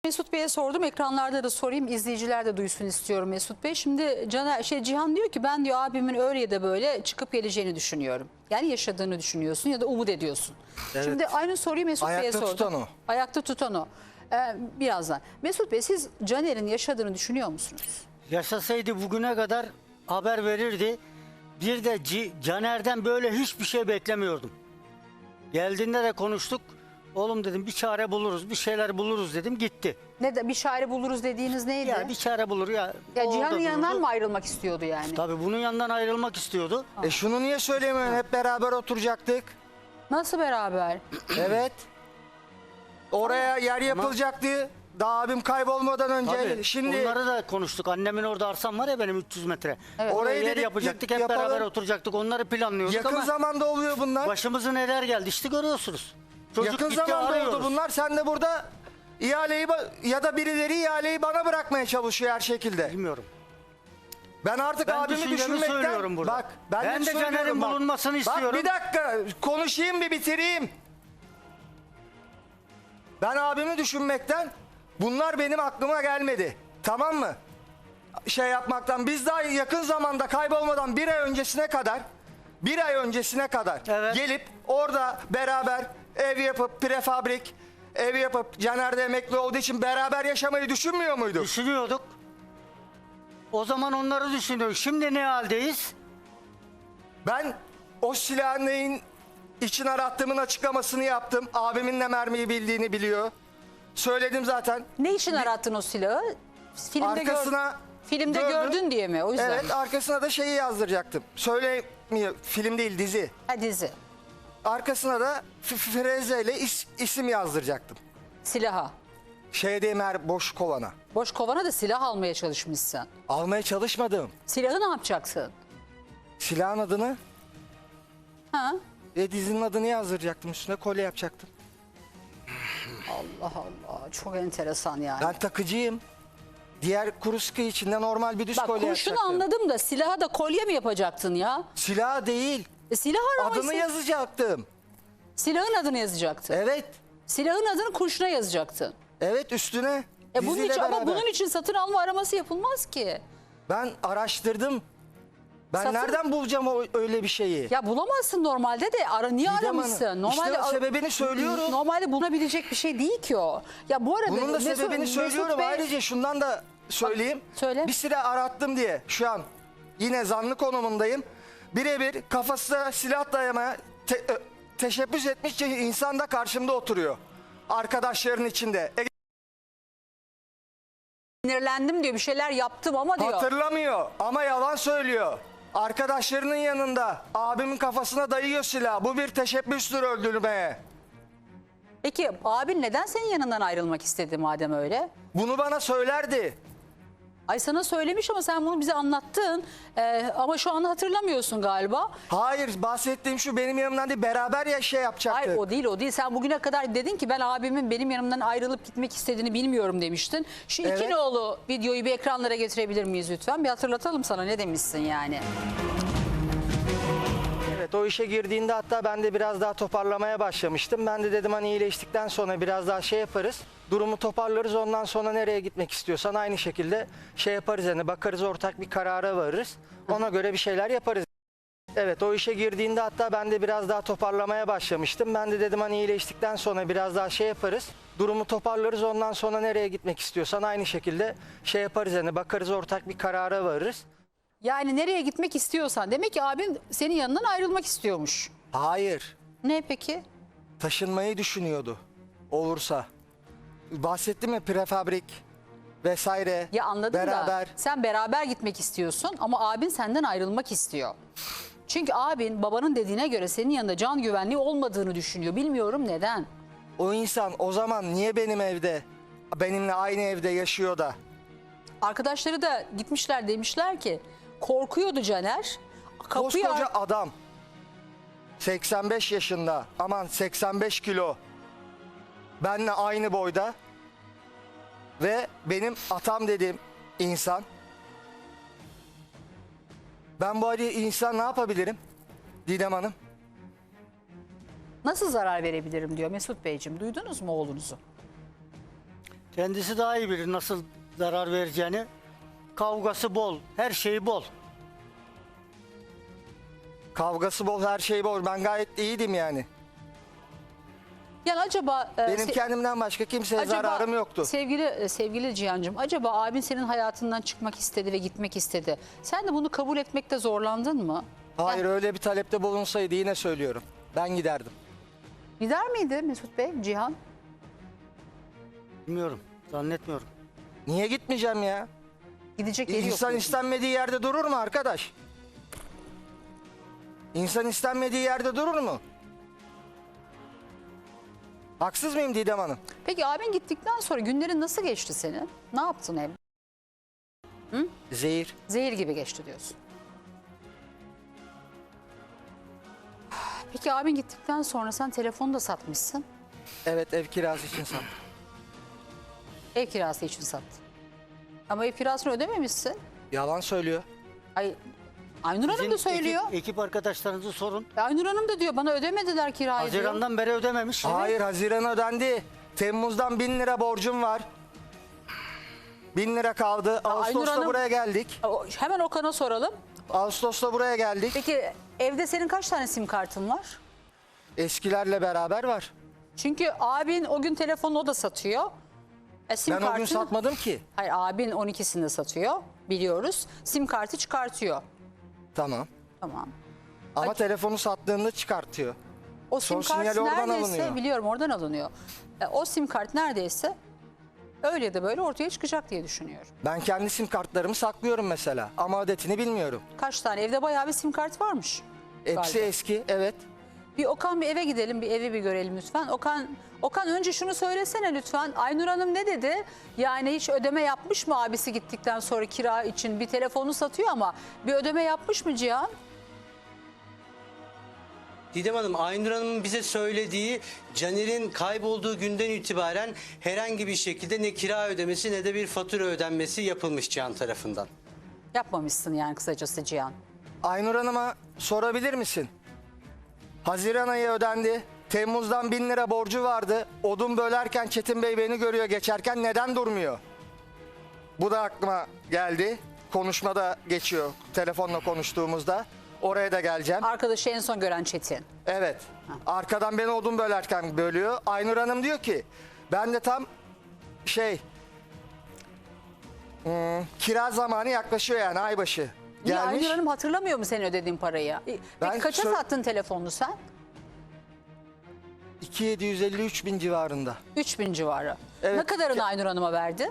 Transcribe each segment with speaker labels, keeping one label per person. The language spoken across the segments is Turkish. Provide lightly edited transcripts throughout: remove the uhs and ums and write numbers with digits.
Speaker 1: Mesut Bey'e sordum, ekranlarda da sorayım, izleyiciler de duysun istiyorum Mesut Bey. Şimdi Cihan diyor ki ben diyor abimin öyle ya da böyle çıkıp geleceğini düşünüyorum. Yani yaşadığını düşünüyorsun ya da umut ediyorsun.
Speaker 2: Evet.
Speaker 1: Şimdi aynı soruyu Mesut Bey'e
Speaker 2: Ayakta
Speaker 1: sordum.
Speaker 2: tutan o.
Speaker 1: Ayakta tutan o. Birazdan. Mesut Bey, siz Caner'in yaşadığını düşünüyor musunuz?
Speaker 3: Yaşasaydı bugüne kadar haber verirdi. Bir de Caner'den böyle hiçbir şey beklemiyordum. Geldiğinde de konuştuk. Oğlum dedim bir çare buluruz, bir şeyler buluruz dedim, gitti.
Speaker 1: Ne de bir şairi buluruz dediğiniz neydi?
Speaker 3: Ya bir çare bulur ya.
Speaker 1: Ya
Speaker 3: o
Speaker 1: Cihan'ın
Speaker 3: orada
Speaker 1: yanından
Speaker 3: dururdu.
Speaker 1: mı ayrılmak istiyordu yani?
Speaker 3: Tabii bunun yanından ayrılmak istiyordu.
Speaker 2: Şunu niye söylemiyorsun? Hep beraber oturacaktık.
Speaker 1: Nasıl beraber?
Speaker 2: Evet. Oraya yer yapılacaktı. Daha abim kaybolmadan önce.
Speaker 3: Tabii
Speaker 2: Şimdi
Speaker 3: onları da konuştuk. Annemin orada arsam var ya benim 300 metre.
Speaker 1: Evet.
Speaker 3: Oraya
Speaker 2: Orayı
Speaker 3: yer
Speaker 2: dedik,
Speaker 3: yapacaktık, hep
Speaker 2: yapalım.
Speaker 3: beraber oturacaktık. Onları planlıyorduk
Speaker 2: yakın
Speaker 3: ama
Speaker 2: zamanda oluyor bunlar.
Speaker 3: başımıza neler geldi işte görüyorsunuz. Çocuk
Speaker 2: Yakın
Speaker 3: gitti,
Speaker 2: zamanda
Speaker 3: arıyoruz.
Speaker 2: oldu bunlar. Sen de burada ihaleyi ya da birileri ihaleyi bana bırakmaya çalışıyor her şekilde.
Speaker 3: Bilmiyorum.
Speaker 2: Ben artık
Speaker 3: Ben
Speaker 2: abimi
Speaker 3: düşüncemi
Speaker 2: düşünmekten...
Speaker 3: söylüyorum burada.
Speaker 2: Bak ben
Speaker 3: Ben de
Speaker 2: söylüyorum
Speaker 3: Caner'in
Speaker 2: bak.
Speaker 3: bulunmasını
Speaker 2: Bak
Speaker 3: istiyorum.
Speaker 2: bir dakika konuşayım bir bitireyim. Ben abimi düşünmekten bunlar benim aklıma gelmedi. Tamam mı? Şey yapmaktan biz daha yakın zamanda kaybolmadan bir ay öncesine kadar
Speaker 3: Evet.
Speaker 2: gelip orada beraber ev yapıp prefabrik ev yapıp Caner de emekli olduğu için beraber yaşamayı düşünmüyor muyduk?
Speaker 3: Düşünüyorduk. O zaman onları düşünüyoruz. Şimdi ne haldeyiz?
Speaker 2: Ben o silahın neyin için arattığımın açıklamasını yaptım. Abimin ne mermiyi bildiğini biliyor. Söyledim zaten.
Speaker 1: Ne için arattın o silahı? Filmde
Speaker 2: gördüm.
Speaker 1: gördün diye mi? O yüzden.
Speaker 2: Evet, arkasına da şeyi yazdıracaktım. Söylemiyor, film değil dizi.
Speaker 1: Ha, dizi.
Speaker 2: Arkasına da Freze ile isim yazdıracaktım.
Speaker 1: Silaha.
Speaker 2: Şeyde boş kovana.
Speaker 1: Boş kovana da silah almaya çalışmışsın.
Speaker 2: Almaya çalışmadım.
Speaker 1: Silahı ne yapacaksın?
Speaker 2: Silahın adını
Speaker 1: Ha?
Speaker 2: dizinin adını yazdıracaktım. Üstüne kolye yapacaktım.
Speaker 1: Allah Allah, çok enteresan yani.
Speaker 2: Ben takıcıyım. Diğer kuru sıkı içinde normal bir düz
Speaker 1: Bak,
Speaker 2: kolye
Speaker 1: kurşunu
Speaker 2: yapacaktım.
Speaker 1: anladım da silaha da kolye mi yapacaktın ya?
Speaker 2: Silah değil.
Speaker 1: Silah araması.
Speaker 2: Adını yazacaktım.
Speaker 1: Silahın adını yazacaktın.
Speaker 2: Evet.
Speaker 1: Silahın adını kurşuna yazacaktın.
Speaker 2: Evet, üstüne.
Speaker 1: Bunun
Speaker 2: diziyle
Speaker 1: için, ama
Speaker 2: beraber.
Speaker 1: bunun için satın alma araması yapılmaz ki.
Speaker 2: Ben araştırdım. Ben
Speaker 1: Satın-
Speaker 2: nereden bulacağım öyle bir şeyi?
Speaker 1: Ya bulamazsın normalde de niye
Speaker 2: Didem Hanım,
Speaker 1: aramışsın? Normalde
Speaker 2: işte sebebini söylüyorum.
Speaker 1: Normalde bulunabilecek bir şey değil ki o. Ya bu arada
Speaker 2: Bunun da
Speaker 1: Mesut-
Speaker 2: sebebini
Speaker 1: Mesut
Speaker 2: söylüyorum.
Speaker 1: Bey-
Speaker 2: Ayrıca şundan da söyleyeyim.
Speaker 1: Söyle.
Speaker 2: Bir süre arattım diye şu an yine zanlı konumundayım. Birebir kafasına silah dayamaya teşebbüs etmiş insan da karşımda oturuyor. Arkadaşların içinde.
Speaker 1: Sinirlendim diyor, bir şeyler yaptım ama diyor.
Speaker 2: Hatırlamıyor ama yalan söylüyor. Arkadaşlarının yanında abimin kafasına dayıyor silah. Bu bir teşebbüstür öldürmeye.
Speaker 1: Peki abin neden senin yanından ayrılmak istedi madem öyle?
Speaker 2: Bunu bana söylerdi.
Speaker 1: Ay, sana söylemiş ama sen bunu bize anlattın. Ama şu an hatırlamıyorsun galiba.
Speaker 2: Hayır, bahsettiğim şu, benim yanımdan değil, beraber ya şey yapacaktık.
Speaker 1: Hayır, o değil. Sen bugüne kadar dedin ki ben abimin benim yanımdan ayrılıp gitmek istediğini bilmiyorum demiştin. Şu
Speaker 2: Evet.
Speaker 1: iki nolu videoyu bir ekranlara getirebilir miyiz lütfen? Bir hatırlatalım sana ne demişsin yani.
Speaker 2: Evet, o işe girdiğinde hatta ben de biraz daha toparlamaya başlamıştım. Ben de dedim hani iyileştikten sonra biraz daha şey yaparız. Durumu toparlarız, ondan sonra nereye gitmek istiyorsan aynı şekilde şey yaparız, hani bakarız, ortak bir karara varırız. Ona göre bir şeyler yaparız. Evet, o işe girdiğinde hatta ben de biraz daha toparlamaya başlamıştım. Ben de dedim hani iyileştikten sonra biraz daha şey yaparız. Durumu toparlarız, ondan sonra nereye gitmek istiyorsan aynı şekilde şey yaparız, hani bakarız, ortak bir karara varırız.
Speaker 1: Yani nereye gitmek istiyorsan. Demek ki abin senin yanından ayrılmak istiyormuş.
Speaker 2: Hayır,
Speaker 1: Ne peki?
Speaker 2: taşınmayı düşünüyordu olursa. Bahsettim ya, prefabrik vesaire.
Speaker 1: Ya anladım
Speaker 2: beraber.
Speaker 1: da sen beraber gitmek istiyorsun ama abin senden ayrılmak istiyor. Çünkü abin babanın dediğine göre senin yanında can güvenliği olmadığını düşünüyor. Bilmiyorum neden.
Speaker 2: O insan o zaman niye benim evde, benimle aynı evde yaşıyor da?
Speaker 1: Arkadaşları da gitmişler, demişler ki korkuyordu Caner.
Speaker 2: Koskoca adam. 85 yaşında, aman 85 kilo. Benle aynı boyda. Ve benim atam dediğim insan. Ben bu insan ne yapabilirim Didem Hanım?
Speaker 1: Nasıl zarar verebilirim diyor Mesut Beyciğim. Duydunuz mu oğlunuzu?
Speaker 3: Kendisi daha iyi bilir nasıl zarar vereceğini. Kavgası bol, her şeyi bol.
Speaker 2: Kavgası bol, her şey bol. Ben gayet iyiydim yani.
Speaker 1: Yani acaba
Speaker 2: Benim kendimden başka kimseye zararım yoktu.
Speaker 1: Sevgili Cihan'cığım, acaba abin senin hayatından çıkmak istedi ve gitmek istedi. Sen de bunu kabul etmekte zorlandın mı?
Speaker 2: Hayır, öyle bir talepte bulunsaydı yine söylüyorum, ben giderdim.
Speaker 1: Gider miydi Mesut Bey, Cihan?
Speaker 3: Bilmiyorum, zannetmiyorum.
Speaker 2: Niye gitmeyeceğim ya?
Speaker 1: Gidecek yeri yok.
Speaker 2: İnsan
Speaker 1: diyorsun.
Speaker 2: istenmediği yerde durur mu arkadaş? İnsan istenmediği yerde durur mu? Haksız mıyım Didem Hanım?
Speaker 1: Peki abin gittikten sonra günlerin nasıl geçti senin? Ne yaptın ev?
Speaker 2: Zehir.
Speaker 1: Zehir gibi geçti diyorsun. Peki abin gittikten sonra sen telefonu da satmışsın.
Speaker 2: Evet, ev kirası için sattım.
Speaker 1: Ev kirası için sattın. Ama ev kirasını ödememişsin.
Speaker 2: Yalan söylüyor.
Speaker 1: Ay, Aynur Hanım da söylüyor.
Speaker 3: Ekip arkadaşlarınızı sorun.
Speaker 1: Aynur Hanım da diyor bana ödemediler kirayı diyor.
Speaker 3: Haziran'dan beri ödememiş.
Speaker 2: Hayır, Haziran ödendi. Temmuz'dan 1000 lira borcum var. 1000 lira kaldı. Ağustos'ta
Speaker 1: Hanım-
Speaker 2: buraya geldik.
Speaker 1: Hemen Okan'a soralım.
Speaker 2: Ağustos'ta buraya geldik.
Speaker 1: Peki evde senin kaç tane sim kartın var?
Speaker 2: Eskilerle beraber var.
Speaker 1: Çünkü abin o gün telefonu o da satıyor. Sim
Speaker 2: Ben o gün
Speaker 1: kartını-
Speaker 2: satmadım ki.
Speaker 1: Hayır, abin 12'sini de satıyor biliyoruz. Sim kartı çıkartıyor.
Speaker 2: Tamam.
Speaker 1: Tamam.
Speaker 2: Ama telefonu sattığında çıkartıyor.
Speaker 1: O sim
Speaker 2: Son
Speaker 1: kart
Speaker 2: sinyali oradan
Speaker 1: neredeyse
Speaker 2: alınıyor.
Speaker 1: biliyorum oradan alınıyor. O sim kart neredeyse öyle ya da böyle ortaya çıkacak diye düşünüyorum.
Speaker 2: Ben kendi sim kartlarımı saklıyorum mesela. Ama adetini bilmiyorum.
Speaker 1: Kaç tane? Evde bayağı bir sim kart varmış.
Speaker 2: Hepsi
Speaker 1: galiba.
Speaker 2: eski, evet.
Speaker 1: Bir Okan, bir eve gidelim, bir evi bir görelim lütfen. Okan önce şunu söylesene lütfen. Aynur Hanım ne dedi? Yani hiç ödeme yapmış mı abisi gittikten sonra kira için? Bir telefonu satıyor ama bir ödeme yapmış mı Cihan?
Speaker 4: Didem Hanım, Aynur Hanım'ın bize söylediği Caner'in kaybolduğu günden itibaren herhangi bir şekilde ne kira ödemesi ne de bir fatura ödenmesi yapılmış Cihan tarafından.
Speaker 1: Yapmamışsın yani kısacası Cihan.
Speaker 2: Aynur Hanım'a sorabilir misin? Haziran ayı ödendi. Temmuz'dan 1000 lira borcu vardı. Odun bölerken Çetin Bey beni görüyor geçerken, neden durmuyor? Bu da aklıma geldi. Konuşmada geçiyor, telefonla konuştuğumuzda. Oraya da geleceğim.
Speaker 1: Arkadaşı en son gören Çetin.
Speaker 2: Evet. Arkadan beni odun bölerken bölüyor. Aynur Hanım diyor ki ben de tam kira zamanı yaklaşıyor, yani aybaşı
Speaker 1: Niye
Speaker 2: gelmiş.
Speaker 1: Aynur Hanım hatırlamıyor mu senin ödediğin parayı? Peki
Speaker 2: Ben
Speaker 1: kaça sattın telefonunu sen?
Speaker 2: 2753 bin civarında.
Speaker 1: 3000 civarı.
Speaker 2: Evet.
Speaker 1: Ne kadarını Aynur Hanım'a verdi?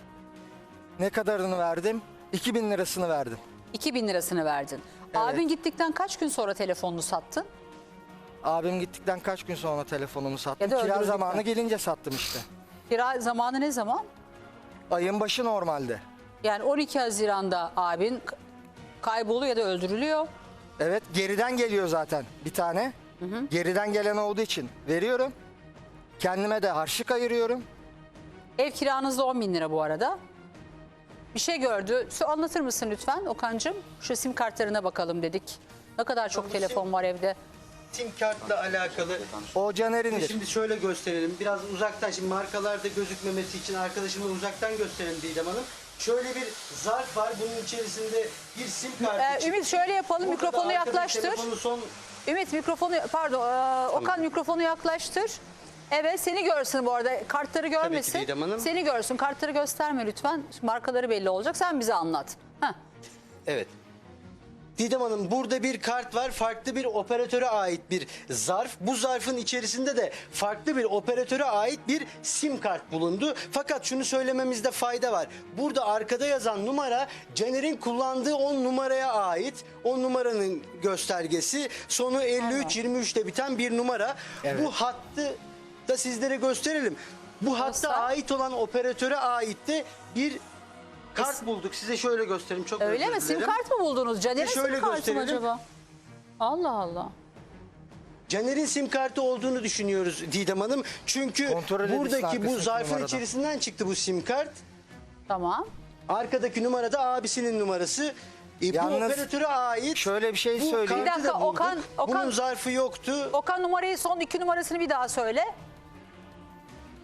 Speaker 2: Ne kadarını verdim? 2000 lirasını verdim.
Speaker 1: 2000 lirasını verdin. Abin gittikten kaç gün sonra telefonunu sattın?
Speaker 2: Abim gittikten kaç gün sonra telefonumu sattım.
Speaker 1: Ya da
Speaker 2: Kira
Speaker 1: öldürdükten.
Speaker 2: zamanı gelince sattım işte.
Speaker 1: Kira zamanı ne zaman?
Speaker 2: Ayın başı normalde.
Speaker 1: Yani 12 Haziran'da abin kayboluyor ya da öldürülüyor.
Speaker 2: Evet, geriden geliyor zaten bir tane. Geriden gelen olduğu için veriyorum. Kendime de harçlık ayırıyorum.
Speaker 1: Ev kiranız da 10 bin lira bu arada. Bir şey gördü. Anlatır mısın lütfen Okan'cığım? Şu sim kartlarına bakalım dedik. Ne kadar çok telefon var evde.
Speaker 4: Sim kartla alakalı.
Speaker 2: O Caner'indir.
Speaker 4: Şimdi şöyle gösterelim. Biraz uzaktan, şimdi markalarda gözükmemesi için arkadaşıma uzaktan gösterelim Didem Hanım. Şöyle bir zarf var. Bunun içerisinde bir sim kartı.
Speaker 1: Ümit şöyle yapalım,
Speaker 4: Burada da
Speaker 1: mikrofonu
Speaker 4: arkadaki
Speaker 1: yaklaştır.
Speaker 4: telefonu son
Speaker 1: Ümit mikrofonu, pardon Okan mikrofonu yaklaştır. Evet, seni görsün bu arada, kartları görmesin.
Speaker 4: Didem Hanım.
Speaker 1: Seni görsün, kartları gösterme lütfen. Markaları belli olacak, sen bize anlat. Heh.
Speaker 4: Evet. Didem Hanım, burada bir kart var. Farklı bir operatöre ait bir zarf. Bu zarfın içerisinde de farklı bir operatöre ait bir sim kart bulundu. Fakat şunu söylememizde fayda var. Burada arkada yazan numara Caner'in kullandığı 10 numaraya ait. O numaranın göstergesi. Sonu 53-23'te biten bir numara.
Speaker 2: Evet.
Speaker 4: Bu hattı da sizlere gösterelim. Bu hatta
Speaker 1: Göster.
Speaker 4: ait olan operatöre ait de bir kart bulduk. Size şöyle göstereyim. Çok
Speaker 1: Öyle
Speaker 4: özür
Speaker 1: mi? Sim
Speaker 4: dilerim.
Speaker 1: kart mı buldunuz? Caner'in
Speaker 4: şöyle
Speaker 1: sim kartı mı
Speaker 4: gösterelim.
Speaker 1: acaba? Allah Allah.
Speaker 4: Caner'in sim kartı olduğunu düşünüyoruz Didem Hanım. Çünkü
Speaker 2: Kontrol edilsin
Speaker 4: buradaki bu
Speaker 2: arkasındaki
Speaker 4: zarfın
Speaker 2: numaradan.
Speaker 4: içerisinden çıktı bu sim kart.
Speaker 1: Tamam.
Speaker 4: Arkadaki numara da abisinin numarası. Bu
Speaker 2: Yalnız
Speaker 4: operatöre ait.
Speaker 2: şöyle bir şey
Speaker 4: bu
Speaker 2: söyleyeyim.
Speaker 4: kartı
Speaker 1: Bir dakika,
Speaker 4: da bulduk.
Speaker 1: Okan-
Speaker 4: Bunun zarfı yoktu.
Speaker 1: Okan numarayı, son 2 numarasını bir daha söyle.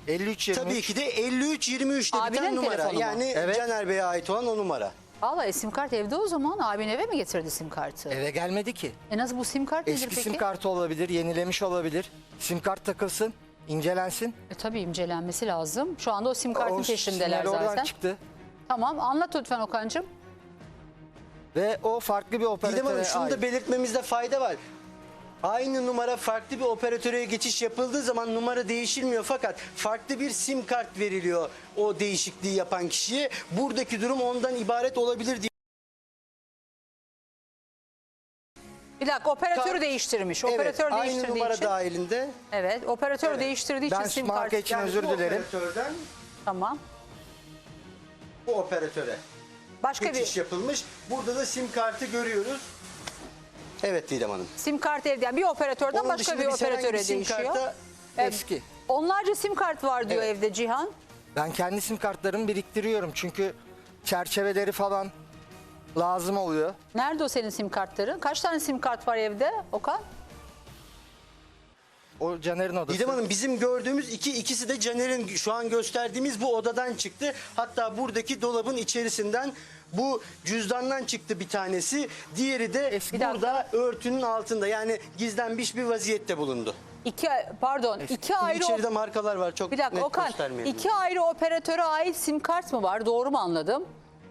Speaker 2: 53-23.
Speaker 4: Tabii ki de 53-23'te
Speaker 1: Abinin
Speaker 4: biten numara.
Speaker 1: telefonu mu?
Speaker 4: Yani
Speaker 2: Evet.
Speaker 4: Caner Bey'e ait olan o numara.
Speaker 1: Valla sim kart evde o zaman. Abin eve mi getirdi sim kartı?
Speaker 2: Eve gelmedi ki.
Speaker 1: Nasıl bu sim kart nedir
Speaker 2: Eski
Speaker 1: peki?
Speaker 2: sim kartı olabilir, yenilemiş olabilir. Sim kart takılsın, incelensin.
Speaker 1: Tabii incelenmesi lazım. Şu anda o sim kartın
Speaker 2: O
Speaker 1: peşindeler
Speaker 2: sinyal oradan
Speaker 1: zaten.
Speaker 2: çıktı.
Speaker 1: Tamam, anlat lütfen Okan'cığım.
Speaker 2: Ve o farklı bir
Speaker 4: Didem
Speaker 2: operatöre
Speaker 4: Hanım şunu da
Speaker 2: ait.
Speaker 4: belirtmemizde fayda var. Aynı numara farklı bir operatöre geçiş yapıldığı zaman numara değişilmiyor, fakat farklı bir sim kart veriliyor o değişikliği yapan kişiye. Buradaki durum ondan ibaret olabilir diye.
Speaker 1: Bir dakika, operatörü
Speaker 4: Kart-
Speaker 1: değiştirmiş.
Speaker 4: Evet,
Speaker 1: Operatör
Speaker 4: aynı
Speaker 1: değiştirdiği
Speaker 4: numara
Speaker 1: için.
Speaker 4: dahilinde.
Speaker 1: Evet, operatör
Speaker 4: Evet.
Speaker 1: değiştirdiği
Speaker 2: Ben
Speaker 1: için sim
Speaker 2: marka
Speaker 1: kartı.
Speaker 2: için özür
Speaker 4: bu
Speaker 2: dilerim.
Speaker 4: operatörden
Speaker 1: Tamam.
Speaker 4: bu operatöre
Speaker 1: Başka
Speaker 4: geçiş
Speaker 1: bir
Speaker 4: yapılmış. Burada da sim kartı görüyoruz. Evet Didem Hanım.
Speaker 1: sim kart evde. Yani bir operatörden
Speaker 4: Onun
Speaker 1: başka
Speaker 4: dışında
Speaker 1: bir
Speaker 4: biz herhangi
Speaker 1: operatöre
Speaker 4: bir sim
Speaker 1: değişiyor.
Speaker 4: karta
Speaker 2: Eski.
Speaker 1: Onlarca sim kart var diyor
Speaker 4: Evet.
Speaker 1: evde Cihan.
Speaker 2: Ben kendi sim kartlarımı biriktiriyorum çünkü çerçeveleri falan lazım oluyor.
Speaker 1: Nerede o senin sim kartların? Kaç tane sim kart var evde Okan?
Speaker 2: O Caner'in odası.
Speaker 4: Didem Hanım, bizim gördüğümüz ikisi de Caner'in şu an gösterdiğimiz bu odadan çıktı. Hatta buradaki dolabın içerisinden bu cüzdandan çıktı bir tanesi. Diğeri de
Speaker 2: Eski-
Speaker 4: burada örtünün altında, yani gizlenmiş bir vaziyette bulundu.
Speaker 1: İki ayrı
Speaker 4: İçeride markalar var, çok
Speaker 1: bir dakika
Speaker 4: net
Speaker 1: Okan.
Speaker 4: göstermeyelim.
Speaker 1: İki ayrı operatöre ait sim kart mı var? Doğru mu anladım?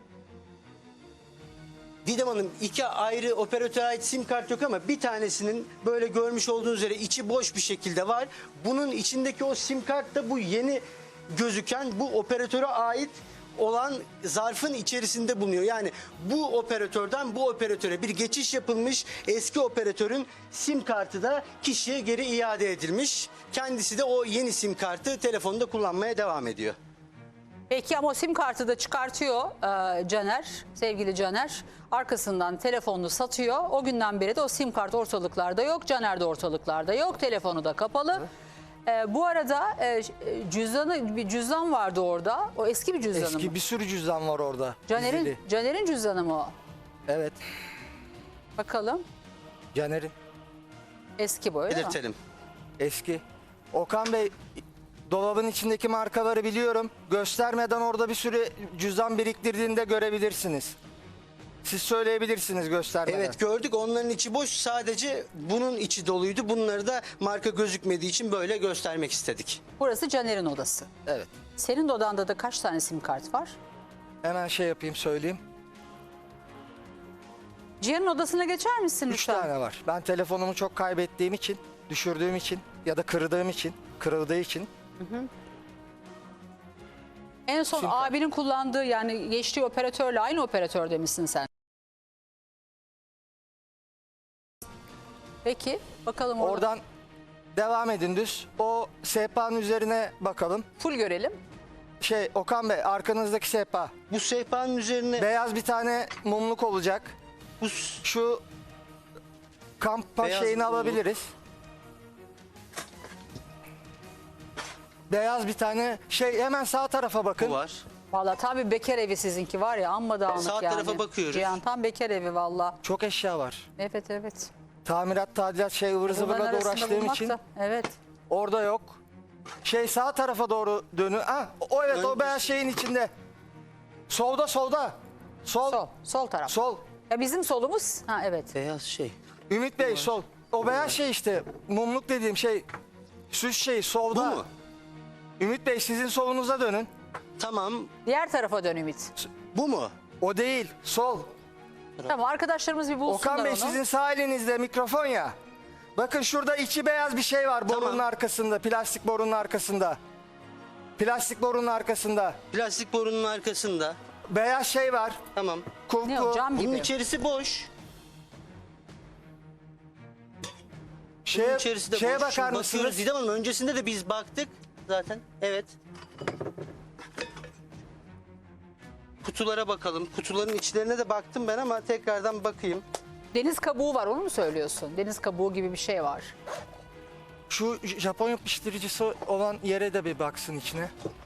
Speaker 4: Didem Hanım, iki ayrı operatöre ait sim kart yok ama bir tanesinin böyle görmüş olduğunuz üzere içi boş bir şekilde var. Bunun içindeki o sim kart da bu yeni gözüken bu operatöre ait olan zarfın içerisinde bulunuyor. Yani bu operatörden bu operatöre bir geçiş yapılmış, eski operatörün sim kartı da kişiye geri iade edilmiş. Kendisi de o yeni sim kartı telefonda kullanmaya devam ediyor.
Speaker 1: Peki ama o sim kartı da çıkartıyor Caner, sevgili Caner. Arkasından telefonunu satıyor. O günden beri de o sim kart ortalıklarda yok. Caner de ortalıklarda yok. Telefonu da kapalı. Bu arada bir cüzdan vardı orada. O eski bir cüzdanı mı?
Speaker 2: Eski bir sürü cüzdan var orada. dizili.
Speaker 1: Caner'in cüzdanı mı o?
Speaker 2: Evet.
Speaker 1: Bakalım.
Speaker 2: Caner'in.
Speaker 1: Eski bu öyle mi?
Speaker 4: Belirtelim.
Speaker 2: Eski. Okan Bey, dolabın içindeki markaları biliyorum. Göstermeden orada bir sürü cüzdan biriktirdiğini de görebilirsiniz. Siz söyleyebilirsiniz göstermeden.
Speaker 4: Evet, gördük, onların içi boş, sadece bunun içi doluydu. Bunları da marka gözükmediği için böyle göstermek istedik.
Speaker 1: Burası Caner'in odası.
Speaker 2: Evet.
Speaker 1: Senin odanda da kaç tane sim kart var?
Speaker 2: Hemen şey yapayım, söyleyeyim.
Speaker 1: Cihan'ın odasına geçer misin
Speaker 2: 3
Speaker 1: lütfen?
Speaker 2: tane var. Ben telefonumu çok kaybettiğim için, düşürdüğüm için ya da kırdığım için, kırıldığı için.
Speaker 1: En son
Speaker 2: Sim kart.
Speaker 1: abinin kullandığı, yani geçtiği operatörle aynı operatörde misin sen? Peki bakalım orada.
Speaker 2: Oradan devam edin düz. O sehpanın üzerine bakalım.
Speaker 1: Full görelim.
Speaker 2: Okan Bey, arkanızdaki sehpa.
Speaker 4: Bu sehpanın üzerine
Speaker 2: Beyaz bir tane mumluk olacak.
Speaker 4: bu
Speaker 2: Şu kampa
Speaker 4: Beyaz
Speaker 2: şeyini
Speaker 4: mumluk.
Speaker 2: alabiliriz. Beyaz bir tane hemen sağ tarafa bakın.
Speaker 4: var.
Speaker 1: Vallahi tam bir bekar evi sizinki var ya, amma dağınık
Speaker 4: Sağ
Speaker 1: yani.
Speaker 4: tarafa bakıyoruz.
Speaker 1: Cihan tam bekar evi valla.
Speaker 2: Çok eşya var.
Speaker 1: Evet evet.
Speaker 2: Tamirat, tadilat, ıvır
Speaker 1: Bunların
Speaker 2: zıvırla da
Speaker 1: arasında
Speaker 2: uğraştığım
Speaker 1: bulmak
Speaker 2: için
Speaker 1: da- Evet.
Speaker 2: orada yok. Sağ tarafa doğru dönün. Evet, o beyaz şeyin içinde. Solda. Sol.
Speaker 1: Sol taraf.
Speaker 2: Sol.
Speaker 1: Ya bizim solumuz. Ha evet.
Speaker 4: Beyaz şey.
Speaker 2: Ümit Bey, sol. O beyaz şey işte. Mumluk dediğim şey. Süs şeyi solda.
Speaker 4: Bu mu?
Speaker 2: Ümit Bey, sizin solunuza dönün.
Speaker 4: Tamam.
Speaker 1: Diğer tarafa dön Ümit.
Speaker 4: Bu mu?
Speaker 2: O değil. Sol.
Speaker 1: Tamam, arkadaşlarımız bir bulsunlar
Speaker 2: Okan Bey,
Speaker 1: onu.
Speaker 2: sizin sağ elinizde mikrofon ya. Bakın şurada içi beyaz bir şey var borunun
Speaker 4: Tamam.
Speaker 2: arkasında. Plastik borunun arkasında. Plastik borunun arkasında.
Speaker 4: Plastik borunun arkasında.
Speaker 2: Beyaz şey var.
Speaker 4: Tamam.
Speaker 1: Ne o, cam
Speaker 4: Bunun
Speaker 1: gibi?
Speaker 4: içerisi boş. Bunun içerisi de
Speaker 2: Şeye
Speaker 4: boş.
Speaker 2: bakar
Speaker 4: Bakıyoruz
Speaker 2: mısınız?
Speaker 4: Didem Hanım, öncesinde de biz baktık zaten. Evet. Kutulara bakalım. Kutuların içlerine de baktım ben ama tekrardan bakayım.
Speaker 1: Deniz kabuğu var, onu mu söylüyorsun? Deniz kabuğu gibi bir şey var.
Speaker 2: Şu Japon yapıştırıcısı olan yere de bir baksın içine.